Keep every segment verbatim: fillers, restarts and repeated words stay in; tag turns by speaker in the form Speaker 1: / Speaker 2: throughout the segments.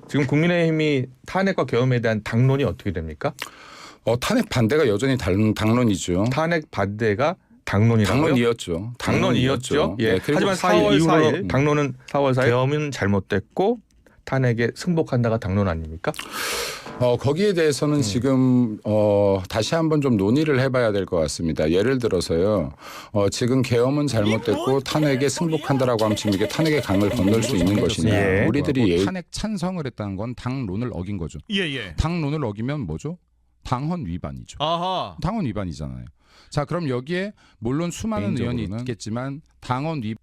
Speaker 1: 지금 국민의힘이 탄핵과 계엄에 대한 당론이 어떻게 됩니까?
Speaker 2: 어, 탄핵 반대가 여전히 당, 당론이죠.
Speaker 1: 탄핵 반대가 당론이라고요?
Speaker 2: 당론이었죠.
Speaker 1: 당론이었죠. 예.
Speaker 2: 네, 그리고
Speaker 1: 하지만
Speaker 2: 사일
Speaker 1: 사월
Speaker 2: 이후로
Speaker 1: 사일 당론은 사월 사일 계엄은 잘못됐고 탄핵에 승복한다가 당론 아닙니까?
Speaker 2: 어, 거기에 대해서는
Speaker 1: 음.
Speaker 2: 지금 어, 다시 한번 좀 논의를 해봐야 될 것 같습니다. 예를 들어서요. 어, 지금 계엄은 잘못됐고 탄핵에 승복한다라고 하면 지금 이게 탄핵의 강을 건널 수 있는 것이냐.
Speaker 1: 예.
Speaker 2: 우리들이 예.
Speaker 3: 탄핵 찬성을 했다는 건 당론을 어긴 거죠.
Speaker 4: 예예.
Speaker 3: 당론을 어기면 뭐죠? 당헌 위반이죠.
Speaker 4: 아하.
Speaker 3: 당헌 위반이잖아요. 자, 그럼 여기에 물론 수많은 의원이
Speaker 2: 개인적으로는
Speaker 3: 있겠지만 당헌 위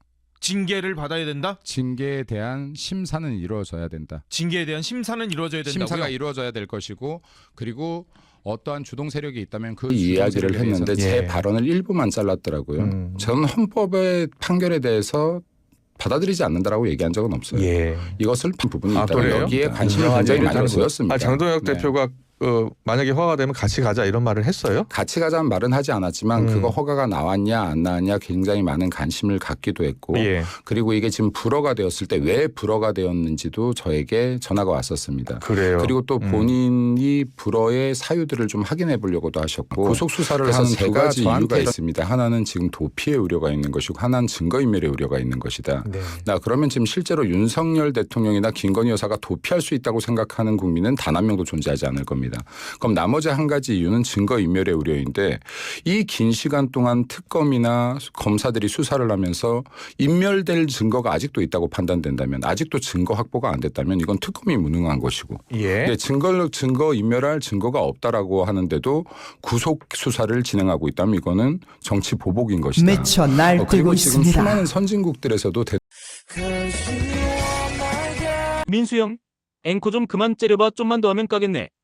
Speaker 4: 징계를 받아야 된다.
Speaker 3: 징계에 대한 심사는 이루어져야 된다.
Speaker 4: 징계에 대한 심사는 이루어져야 된다고요.
Speaker 3: 심사가 이루어져야 될 것이고 그리고 어떠한 주동 세력이 있다면 그
Speaker 2: 이 이야기를 했는데 제
Speaker 1: 예.
Speaker 2: 발언을 일부만 잘랐더라고요.
Speaker 1: 음.
Speaker 2: 저는 헌법의 판결에 대해서 받아들이지 않는다라고 얘기한 적은 없어요.
Speaker 1: 예.
Speaker 2: 이것을 부분이
Speaker 1: 아,
Speaker 2: 있다면
Speaker 1: 그래요?
Speaker 2: 여기에 관심을
Speaker 1: 인정하지
Speaker 2: 굉장히 많이
Speaker 1: 못하는
Speaker 2: 보였습니다.
Speaker 1: 아, 장동혁
Speaker 2: 네.
Speaker 1: 대표가 어, 만약에 허가가 되면 같이 가자 이런 말을 했어요?
Speaker 2: 같이 가자는 말은 하지 않았지만
Speaker 1: 음.
Speaker 2: 그거 허가가 나왔냐 안 나왔냐 굉장히 많은 관심을 갖기도 했고
Speaker 1: 예.
Speaker 2: 그리고 이게 지금 불허가 되었을 때 왜 불허가 되었는지도 저에게 전화가 왔었습니다.
Speaker 1: 그래요.
Speaker 2: 그리고 또
Speaker 1: 음.
Speaker 2: 본인이 불허의 사유들을 좀 확인해 보려고도 하셨고 구속 수사를
Speaker 3: 그래서
Speaker 2: 하는 두
Speaker 3: 제가
Speaker 2: 가지 이유가
Speaker 3: 저한테
Speaker 2: 있습니다. 하나는 지금 도피의 우려가 있는 것이고 하나는 증거인멸의 우려가 있는 것이다.
Speaker 1: 네.
Speaker 2: 나 그러면 지금 실제로 윤석열 대통령이나 김건희 여사가 도피할 수 있다고 생각하는 국민은 단 한 명도 존재하지 않을 겁니다. 그럼 나머지 한 가지 이유는 증거인멸의 우려인데 이 긴 시간 동안 특검이나 검사들이 수사를 하면서 인멸될 증거가 아직도 있다고 판단된다면 아직도 증거 확보가 안 됐다면 이건 특검이 무능한 것이고
Speaker 1: 예.
Speaker 2: 근데 증거 증거 인멸할 증거가 없다라고 하는데도 구속 수사를 진행하고 있다면 이거는 정치 보복인 것이다.
Speaker 5: 미쳐
Speaker 2: 어,
Speaker 5: 날뛰고
Speaker 2: 그리고 지금
Speaker 5: 있습니다.
Speaker 2: 수많은 선진국들에서도 대...
Speaker 6: 민수 형, 앵커 좀 그만 째려봐. 좀만 더 하면 까겠네.